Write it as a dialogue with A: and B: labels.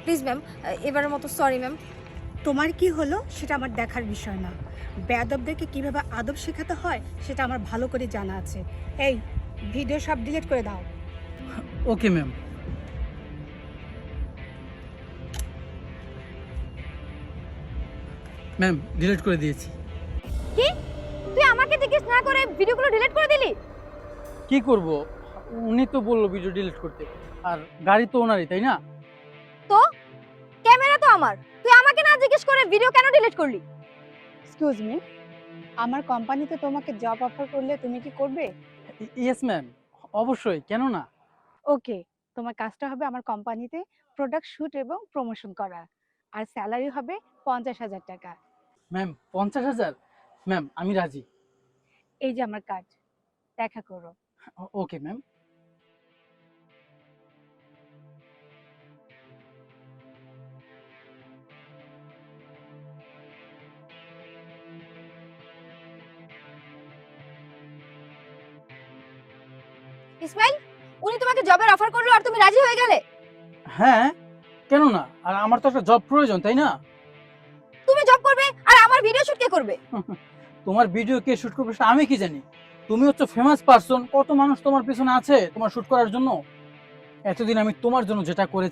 A: Please ma'am, এবারের মতো sorry ma'am.
B: তোমার কি হলো সেটা আমার দেখার বিষয় না। বেয়াদবদেরকে কিভাবে আদব শেখাতে হয় সেটা আমার ভালো করে জানা আছে। এই ভিডিও সব ডিলিট করে দাও।
C: Okay ma'am. ম্যাম ডিলিট করে দিয়েছি।
A: কি? তুই আমাকে জিজ্ঞেস না করে ভিডিওগুলো ডিলিট করে দিলি?
C: কি করব, উনি তো বললো ভিডিও ডিলিট করতে, আর গাড়ি তো ওনারই, তাই না?
A: তো ক্যামেরা তো আমার, তুই আমাকে না জিজ্ঞেস করে ভিডিও কেন ডিলিট করলি?
B: এক্সকিউজ মি, আমার কোম্পানিতে তোমাকে জব অফার করলে তুমি কি করবে?
C: ইয়েস ম্যাম, অবশ্যই, কেন না।
B: ওকে, তোমার কাজটা হবে আমার কোম্পানিতে প্রোডাক্ট শুট এবং প্রমোশন করা, আর স্যালারি হবে 50,000 টাকা।
C: ম্যাম 50,000? ম্যাম আমি রাজি।
B: এই যে আমার কার্ড, দেখা করো।
C: Okay ma'am.
A: ইসমাইল, উনি তোমাকে জবের অফার করলো আর তুমি রাজি হয়ে গেলে?
C: হ্যাঁ, কেন না, আর আমার তো একটা জব প্রয়োজন, তাই না?
A: তুমি জব করবে আর আমার ভিডিও শুট কে করবে?
C: তোমার ভিডিও কে শুট করবে সেটা আমি কি জানি? তুমি হচ্ছে ফেমাস পারসন, কত মানুষ তোমার পিছনে আছে তোমার শুট করার জন্য। এতদিন আমি তোমার জন্য যেটা করেছি